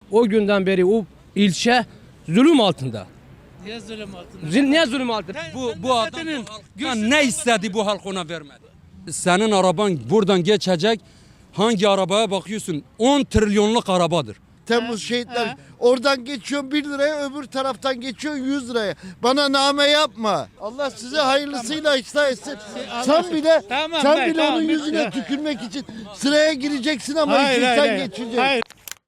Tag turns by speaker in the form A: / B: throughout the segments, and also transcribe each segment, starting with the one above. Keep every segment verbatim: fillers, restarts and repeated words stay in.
A: O günden beri o ilçe zulüm altında.
B: Niye zulüm altında?
A: Zil- Niye zulüm altında?
C: Bu bu adam halktan ne istedi bu halk ona vermedi. Senin araban buradan geçecek. Hangi arabaya bakıyorsun? on trilyonluk arabadır.
D: Temmuz şehitler. Oradan geçiyorsun bir liraya, öbür taraftan geçiyorsun yüz liraya. Bana name yapma. Allah size hayırlısıyla ıslah etsin. Sen bile
B: Tamam,
D: sen
B: ben-
D: bile
B: tamam,
D: onun
B: ben-
D: yüzüne tükürmek için sıraya gireceksin ama
B: Hayır,
D: işin
B: hayır,
D: sen
B: hayır.
D: geçeceksin.
B: Hayır.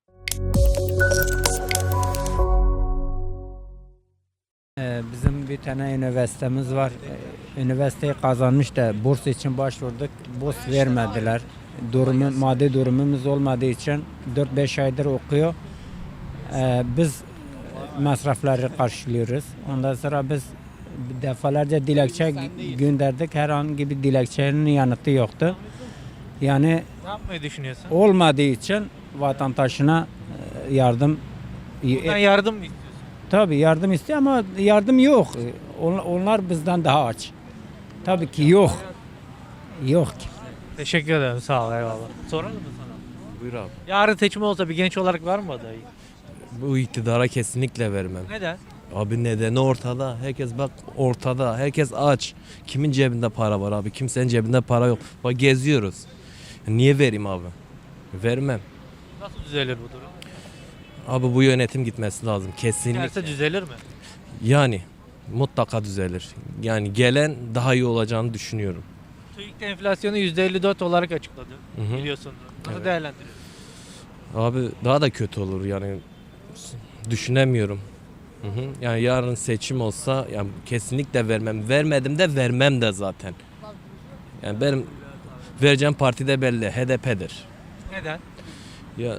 E: Ee, Bizim bir tane üniversitemiz var. Ee, Üniversiteyi kazanmış da burs için başvurduk. Burs vermediler. Durumu, maddi durumumuz olmadığı için dört beş aydır okuyor. Ee, Biz masrafları karşılıyoruz. Ondan sonra biz defalarca dilekçe gönderdik. Herhangi bir dilekçenin yanıtı yoktu. Yani
F: Ne yapmayı düşünüyorsun?
E: olmadığı için vatandaşına e, yardım
F: Buradan yardım mı istiyorsun?
E: Tabii yardım istiyor ama yardım yok. On- Onlar bizden daha aç. Tabii ki yok. Yok ki.
F: Teşekkür ederim. Sağ ol. Eyvallah. Soralım mı sana?
G: Buyur abi.
F: Yarın seçim olsa bir genç olarak var mı adayı?
G: Bu iktidara kesinlikle vermem.
F: Neden?
G: Abi nedeni ortada. Herkes bak ortada. Herkes aç. Kimin cebinde para var abi? Kimsenin cebinde para yok. Bak geziyoruz. Niye vereyim abi? Vermem.
F: Nasıl düzelir bu durum?
G: Abi bu yönetim gitmesi lazım. Kesinlikle.
F: Derse düzelir mi?
G: Yani mutlaka düzelir. Yani gelen daha iyi olacağını düşünüyorum.
F: TÜİK de enflasyonu yüzde elli dört olarak açıkladı.
G: Hı hı.
F: Biliyorsun. Nasıl
G: Evet.
F: değerlendiriyorsun?
G: Abi daha da kötü olur yani. Düşünemiyorum. Hı hı. Yani yarın seçim olsa yani kesinlikle vermem. Vermedim de vermem de zaten. Yani benim vereceğim parti de belli. H D P'dir.
F: Neden?
G: Ya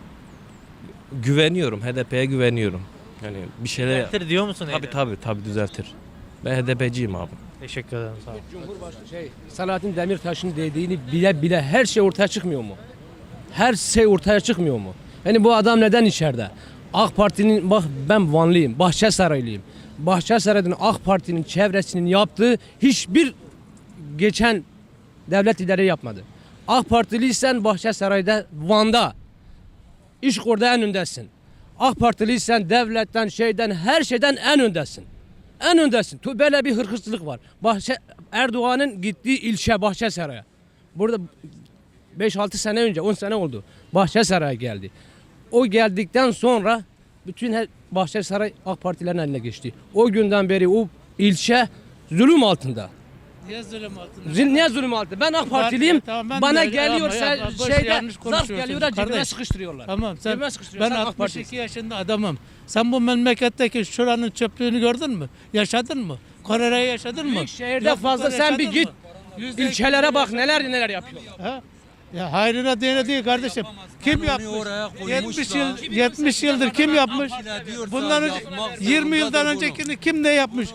G: güveniyorum. H D P'ye güveniyorum. Yani bir şeyler
F: Düzeltir diyor musun?
G: tabii
F: Eylem?
G: tabii tabii düzeltir. Ben H D P'ciyim abi.
F: Teşekkür ederim. Sağ ol.
A: Cumhurbaşkanı şey, Selahattin Demirtaş'ın dediğini bile bile her şey ortaya çıkmıyor mu? Her şey ortaya çıkmıyor mu? Yani bu adam neden içeride? AK Parti'nin, bak ben Vanlıyım, Bahçesaraylıyım. Bahçesaray'ın AK Parti'nin çevresinin yaptığı hiçbir geçen devlet lideri yapmadı. AK Partiliysen Bahçesaray'da, Van'da, iş orada en öndesin. AK Partiliysen devletten, şeyden, her şeyden en öndesin. En öndesin. Tu- Böyle bir hırkızlık var. Bahçe, Erdoğan'ın gittiği ilçe Bahçesaray'a. Burada beş altı sene önce, on sene oldu. Bahçesaray'a geldi. O geldikten sonra bütün her Bahçesaray AK Partilerin eline geçti. O günden beri o ilçe zulüm altında.
B: Niye zulüm altında?
A: Zil, niye zulüm altında? Ben AK Partiliyim.
B: Tamam, ben
A: Bana
B: de-
A: geliyor
B: ama
A: sen
B: yapma, boş
A: şeyde
B: yanlış
A: zarf
B: konuşuyorsun
A: geliyorlar cebime
B: kardeş.
A: sıkıştırıyorlar.
B: Tamam sen
A: Cebime
B: ben
A: sıkıştırıyorlar. Sen AK
B: altmış
A: Partilisin.
B: iki yaşında adamım. Sen bu memleketteki şuranın çöplüğünü gördün mü? Yaşadın mı? Kore'yi yaşadın mı?
A: Büyük şehirde
B: Yoklukları
A: fazla sen bir
B: yaşadın
A: git.
B: mı? Yüzde iki
A: İlçelere bak
B: yaşadın
A: neler
B: mı?
A: neler yapıyorlar.
B: Ha? Ya hayrına diyene değil kardeşim. Kim yapmış?
C: oraya koymuş
B: yetmiş
C: da-
B: yıl yetmiş yıldır kim yapmış? Bundan önce yirmi yıldan öncekini kim ne yapmış?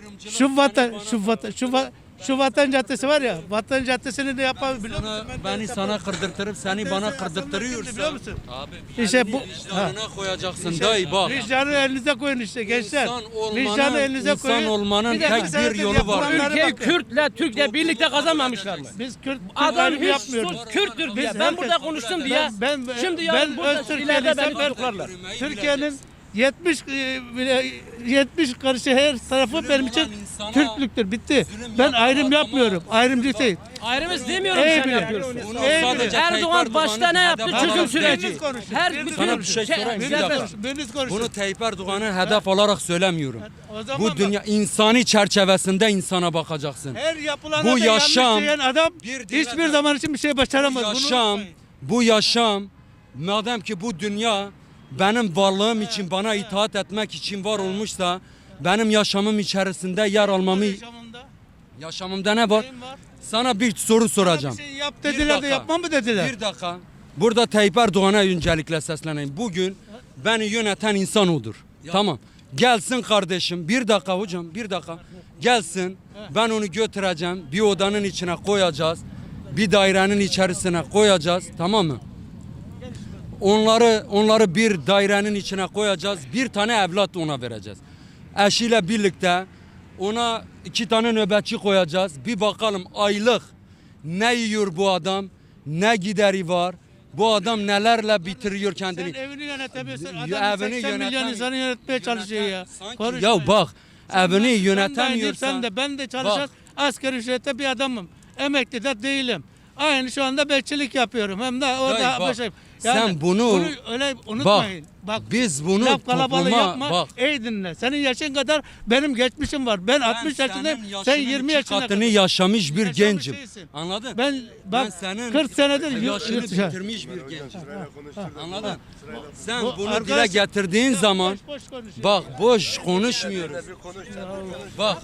B: Şu vatan şu vatan şu va- şu Vatan Caddesi var ya, Vatan Caddesi'ni de yapan biliyor musun?
C: Sana,
B: Ben de
C: beni sana kırdırtırıp seni bana kırdırtırıyorsa
B: biliyor musun?
C: abi
B: İşte bu ha.
C: vicdanına koyacaksın dayı bak.
B: Vicdanı elinize koyun işte gençler.
C: İnsan
B: Vicdanı
C: olmanın,
B: elinize koyun.
C: insan olmanın
B: Bir dakika,
C: tek
B: sen
C: bir
B: de
C: yolu var.
B: yapılanlara
A: Ülkeyi
B: bakın.
A: Kürt'le Türk'le birlikte kazanmamışlar mı?
B: Biz Kürt, Kürt
A: Adam
B: ayrımı
A: hiç
B: yapmıyoruz.
A: sus Kürttür diye.
B: Biz
A: Ben
B: herkes-
A: burada konuştum diye.
B: Ben, ben,
A: Şimdi
B: ben
A: yarın burada
B: öz
A: ileride beni
B: Türkiye'liysem ben
A: tutuklarlar.
B: Türkiye'nin yetmiş e, bile- yetmiş karışı her tarafı benim için
C: insana
B: Türklüktür. Bitti.
C: zulüm
B: Ben
C: yapma
B: ayrım
C: adama-
B: yapmıyorum. Ayrımcı değil.
A: Ayrımız demiyorum
B: Ey
A: sen
B: bile.
A: yapıyorsun.
C: Bunu
B: Ey
C: sadece
B: bile.
A: Erdoğan
C: Tayyip
A: başta ne yaptı?
C: Erdoğan'ın
A: Çözüm
C: hedef
A: süreci.
B: Biriniz konuşun,
A: Her
B: biriniz
A: bütün
C: Sana bir şey sorayım, bir
B: Biriniz
C: dakika.
B: konuşun, biriniz konuşun.
C: Bunu Tayyip Erdoğan'ın hedef olarak söylemiyorum.
B: O zaman
C: Bu
B: bak,
C: dünya insani çerçevesinde insana bakacaksın.
B: her yapılana
C: Bu
B: da
C: yaşam,
B: yanlış diyen adam
C: bir
B: hiçbir
C: dile-
B: zaman için bir şey
C: Bu
B: başaramaz. Bunu
C: yaşam,
B: unutmayın.
C: bu yaşam madem ki bu dünya benim varlığım için bana itaat etmek için var olmuşsa benim yaşamım içerisinde yer almamı
B: Yaşamında
C: yaşamımda ne var?
B: neyim var?
C: Sana bir soru soracağım.
B: Bir şey yap
C: Bir
B: dediler de
C: dakika.
B: yapma mı dediler?
C: Bir dakika. Burada Tayyip Erdoğan'a öncelikle sesleneyim. Bugün beni yöneten insan odur. Tamam. Gelsin kardeşim. Bir dakika hocam. Bir dakika. Gelsin. Ben onu götüreceğim. Bir odanın içine koyacağız. Bir dairenin içerisine koyacağız. Tamam mı? Onları onları bir dairenin içine koyacağız. Bir tane evlat ona vereceğiz. Eşiyle birlikte ona iki tane nöbetçi koyacağız. Bir bakalım aylık ne yiyor bu adam, ne gideri var, Bu adam nelerle bitiriyor kendini.
B: Sen evini yönetemiyorsun.
C: Ya
B: Adam
C: evini
B: seksen milyon
C: yöneten-
B: insanı yönetmeye çalışıyor ya.
C: Sanki-
B: Konuşma
C: ya bak evini
B: Ben de aynıyım,
C: yönetemiyorsan.
B: sen de ben de çalışan
C: Bak.
B: asgari ücrette bir adamım. Emekli de değilim. Aynı şu anda bekçilik yapıyorum. Hem de orada
C: Dayı bak,
B: başım.
C: sen bunu-
B: öyle unutmayın. Bak,
C: biz bunu
B: laf kalabalığı
C: topluma
B: yapma.
C: bak.
B: Ey dinle. Senin yaşın kadar benim geçmişim var. Ben altmış yaşındayım. Sen yirmi yaşında.
C: katını yaşamış bir
B: Yaşamış
C: gencim.
B: değilsin.
C: Anladın?
B: Ben bak
C: senin
B: kırk senedir yurt
C: yaşını
B: yurt dışı.
C: bitirmiş bir gencim. Anladın? Sen
B: Bu
C: bunu
B: arkadaş-
C: dile getirdiğin
B: Ya
C: zaman
B: boş boş konuşuyor.
C: bak boş konuşmuyoruz. Bak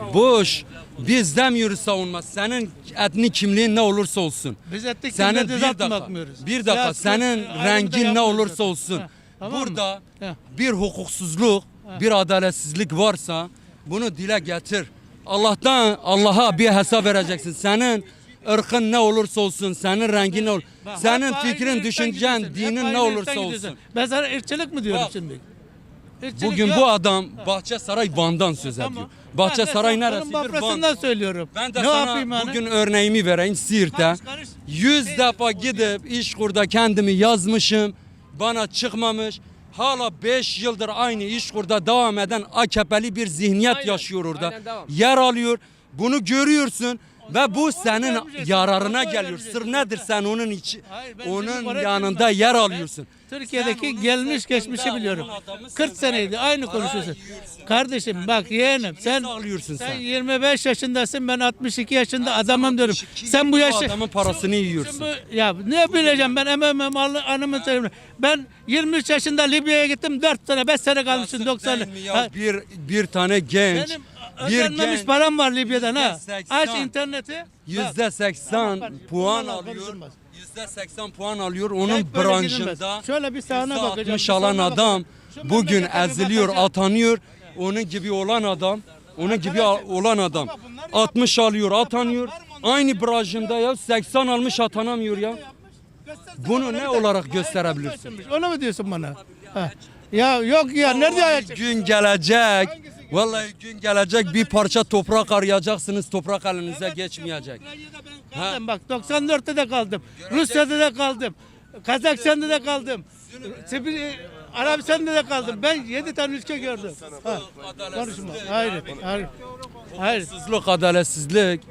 C: boş biz demiyoruz savunma. Senin etni kimliğin ne olursa olsun.
B: Biz ettik
C: Senin
B: kimde
C: bir
B: düzeltme
C: dakika,
B: bakmıyoruz.
C: bir dakika
B: Ya,
C: senin
B: ayrımda
C: rengin ne
B: yapmıyoruz
C: olursa
B: zaten.
C: olsun.
B: Ha, tamam mı?
C: Burada
B: Ha.
C: bir hukuksuzluk, bir adaletsizlik varsa bunu dile getir. Allah'tan Allah'a bir hesap vereceksin. Senin ırkın ne olursa olsun, senin rengin ne olur.
B: Bak,
C: Senin
B: hep aynı
C: fikrin,
B: ırktan
C: düşüncen,
B: gidiyorsun. Hep
C: dinin
B: aynı
C: ne olursa
B: ırktan gidiyorsun.
C: olsun.
B: Ben sana ırkçılık mı diyorum
C: Bak,
B: şimdi? Irkçılık
C: Bugün
B: yok.
C: bu adam Bahçesaray Van'dan söz ediyor.
B: Tamam.
C: Bahçesaray
B: Ben de
C: neresidir?
B: onun bafrasından
C: Van.
B: söylüyorum.
C: Ben de
B: ne
C: sana
B: yapayım yani?
C: bugün örneğimi vereyim Siirt'te.
B: Karış, karış.
C: Yüz defa gidip İşkur'da kendimi yazmışım. Bana çıkmamış. Hala beş yıldır aynı İşkur'da devam eden A K P'li bir zihniyet
A: Aynen,
C: yaşıyor orada.
A: aynen, devam.
C: Yer alıyor. Bunu görüyorsun. Ve bu
B: onu
C: senin
B: vermeyeceksin,
C: yararına
B: onu
C: geliyor.
B: vermeyeceksin.
C: Sır nedir sen onun içi,
B: Hayır, ben
C: onun
B: şimdi oraya
C: yanında
B: girmem.
C: yer
B: Ben
C: alıyorsun.
B: Türkiye'deki
C: Sen onun
B: gelmiş
C: sırtında
B: geçmişi biliyorum.
C: onun adamısın.
B: kırk seneydi aynı
C: Para
B: konuşuyorsun.
C: yiyorsun.
B: Kardeşim bak yeğenim sen
C: sağlıyorsun
B: sen
C: sen?
B: yirmi beş yaşındasın, ben altmış iki yaşında adamım diyorum. Sen bu yaşı
C: adamın parasını yiyorsun.
B: Şimdi bu- ya ne bileceğim ben emem mallı anımı söyleyeyim. Ben yirmi üç yaşında Libya'ya gittim, dört sene beş sene kalmışım doksan.
C: Değil mi ya? Bir bir tane genç,
B: Benim
C: bir
B: ödenmemiş
C: genç
B: param var Libya'dan ha.
C: yüzde seksen.
B: Aç interneti. Bak.
C: yüzde seksen
B: Bak,
C: puan
B: bunlarla
C: alıyor.
B: konuşulmaz.
C: Yüzde seksen puan alıyor. Onun
B: Tek böyle
C: branşında
B: gidilmez. Şöyle bir sahne
C: yüzde
B: bakacağım,
C: altmış
B: bir
C: alan
B: soluna
C: adam
B: bakacağım. Şu
C: bugün
B: memlekete bir
C: eziliyor,
B: bakacağım.
C: atanıyor. Onun gibi olan adam, onun gibi
B: Arkadaşım,
C: olan adam
B: ama bunları
C: altmış alıyor,
B: Yapan
C: atanıyor.
B: var mı onun?
C: Aynı branşında ya seksen almış atanamıyor ya.
B: Göstersene
C: Bunu
B: bana
C: ne
B: bir de.
C: olarak
B: Hayır,
C: gösterebilirsin?
B: göstermiş. Onu mu diyorsun bana? Ha. Ya yok ya nerede
C: Vallahi
B: ayacak?
C: gün gelecek. Vallahi gün gelecek bir parça toprak arayacaksınız. Toprak elinize geçmeyecek.
B: Ukrayna'da ben kaldım bak doksan dörtte de kaldım. Rusya'da da kaldım. Kazakistan'da da kaldım. Sibir, Arabistan'da da kaldım. Ben yedi tane ülke gördüm. Ha. Konuşma. Hayır. Hayır. Hayır.
C: Hukuksuzluk, adaletsizlik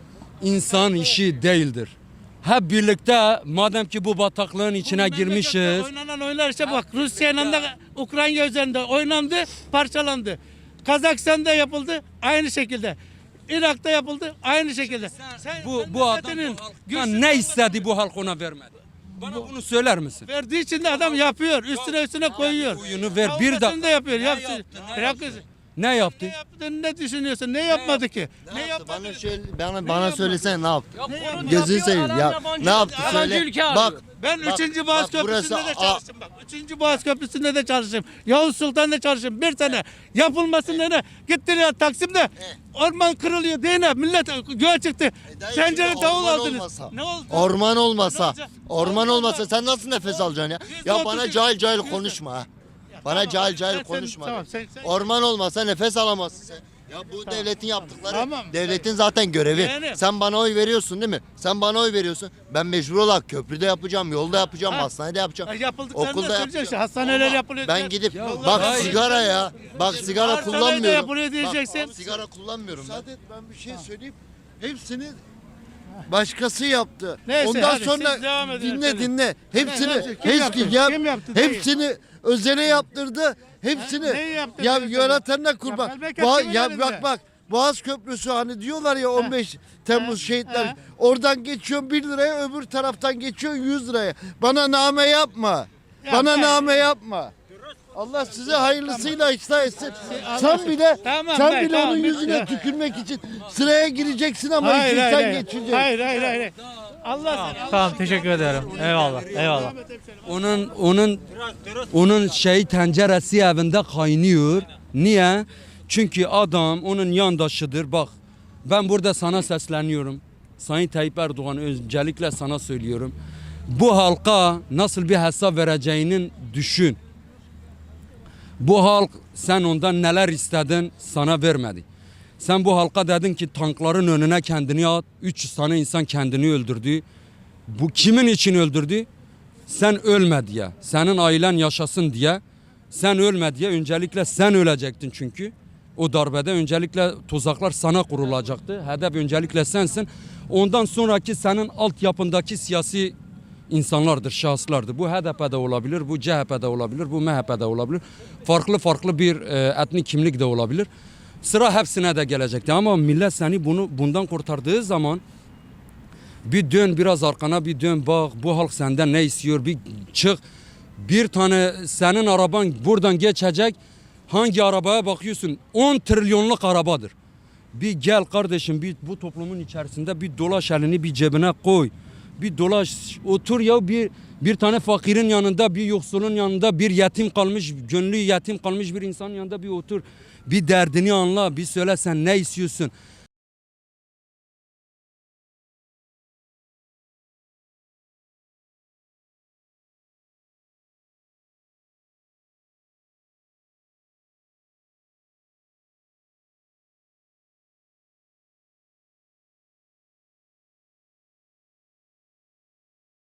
C: insan işi değildir. Hep birlikte madem ki bu bataklığın içine
B: Memlekette
C: girmişiz.
B: Oynanan oyunlar işte bak Rusya'yla da Ukrayna üzerinde oynandı, parçalandı. Kazakistan'da yapıldı aynı şekilde. Irak'ta yapıldı aynı şekilde. Sen,
C: Bu
B: sen
C: bu adam
B: memleketinin
C: bu halktan
B: güçsüz
C: ne istedi bu halk ona vermedi. Bana bunu söyler misin?
B: verdiği için de adam yapıyor. Üstüne üstüne koyuyor.
C: Oyunu ver bir
B: Savunmasını
C: dakika.
B: da yapıyor.
C: Ne
B: Yapsın.
C: yaptı, ne
B: Bırak-
C: yaptı? Ne yaptı?
B: Ne yaptığını ne düşünüyorsun? Ne yapmadı ki? Ne yapmadı?
D: Bana şöyle bana bana söylesene ne yaptı?
A: Bunu
D: Gözünü
A: yapıyor,
D: seveyim
A: adam
D: ya.
A: yabancı-
D: Ne yaptı
A: yabancı
D: söyle.
A: ülke arıyor.
D: Bak
B: Ben
D: Bak,
B: üçüncü Boğaz
D: bak burası
B: Köprüsü'nde de
D: A-
B: çalıştım bak. üçüncü Boğaz Köprüsü'nde de çalıştım. Yavuz Sultan'da çalıştım. Bir sene yapılmasın ne? Gittiler Taksim'de. Orman kırılıyor değil mi? Millet göğe çıktı.
D: dayı,
B: Tencere
D: şimdi
B: davul
D: orman
B: aldınız.
D: olmasa,
B: Ne oldu?
D: Orman
B: Ne
D: olmasa,
B: olacak?
D: orman olmasa sen nasıl nefes alacaksın ya?
B: Yüzde
D: Ya
B: otuz
D: bana
B: üç.
D: cahil cahil
B: Yüzde-
D: konuşma ha. Bana
B: Tamam,
D: cahil cahil
B: sen- sen-
D: konuşma.
B: tamam, sen- sen-
D: Orman olmasa nefes alamazsın sen. Ya bu devletin yaptıkları,
B: Tamam.
D: devletin zaten görevi.
B: Yani-
D: Sen bana oy veriyorsun değil mi? Sen bana oy veriyorsun. Ben mecbur olarak köprüde yapacağım, yolda yapacağım,
B: Ha.
D: hastanede yapacağım.
B: Ha, yapıldıklarını da
D: Okulda
B: söyleyeceksin
D: yapacağım.
B: işte. Hastaneler yapılıyor.
D: Ben gidip
B: Yollar-
D: bak
C: hayır.
D: sigara ya. Bak sigara
B: Hastanede
D: kullanmıyorum.
B: yapılıyor diyeceksin.
D: Bak, sigara kullanmıyorum. Müsaade et ben bir şey söyleyeyim. Hepsini başkası yaptı.
B: Neyse,
D: Ondan
B: hadi
D: sonra
B: siz devam edin
D: dinle
B: efendim.
D: dinle. Hepsini
B: Ne, ne, kim yaptı?
D: hepsi yap,
B: Kim yaptı? Değil.
D: hepsini özele yaptırdı. Hepsini
B: neyi yaptı
D: ya
B: beyefendi?
D: yönetenler kurban.
B: Yapılmak
D: Boğa-
B: kimin
D: ya
B: elinde?
D: bak bak Boğaz Köprüsü hani diyorlar ya on beş Temmuz şehitler.
B: Ha.
D: Oradan geçiyorsun bir liraya, öbür taraftan geçiyorsun yüz liraya. Bana name yapma. Bana
B: ben-
D: name yapma. Allah size hayırlısıyla ıslah etsin.
B: Allah-
D: Sen bile
B: Tamam,
D: sen
B: ben-
D: bile
B: tamam,
D: onun
B: ben-
D: yüzüne
B: ya.
D: tükürmek için sıraya gireceksin ama
B: Hayır
D: işin
B: hayır
D: sen
B: hayır.
D: geçeceksin.
B: Hayır hayır hayır. Allah seni.
F: Tamam teşekkür ederim. Eyvallah. Eyvallah.
C: Onun onun onun şey tenceresi evinde kaynıyor. Niye? Çünkü adam onun yandaşıdır. Bak ben burada sana sesleniyorum. Sayın Tayyip Erdoğan öncelikle sana söylüyorum. Bu halka nasıl bir hesap vereceğinin düşün. Bu halk sen ondan neler istedin sana vermedi. Sen bu halka dedin ki tankların önüne kendini at. üç yüz tane insan kendini öldürdü. Bu kimin için öldürdü? sen ölme diye, senin ailen yaşasın diye, sen ölme diye öncelikle sen ölecektin çünkü. O darbede öncelikle tuzaklar sana kurulacaktı. Hedef öncelikle sensin. Ondan sonraki senin altyapındaki siyasi insanlardır, şahıslardır. Bu H D P'de olabilir, bu C H P'de olabilir, bu M H P'de olabilir. Farklı farklı bir e, etnik kimlik de olabilir. Sıra hepsine de gelecekti ama millet seni bunu bundan kurtardığı zaman bir dön biraz arkana, bir dön bak bu halk senden ne istiyor, bir çık. Bir tane senin araban buradan geçecek. Hangi arabaya bakıyorsun? on trilyonluk arabadır. Bir gel kardeşim, bir bu toplumun içerisinde bir dolaş, elini bir cebine koy. Bir dolaş, otur ya, bir bir tane fakirin yanında, bir yoksulun yanında, bir yetim kalmış, gönlü yetim kalmış bir insanın yanında bir otur. Bir derdini anla, bir söyle sen ne istiyorsun.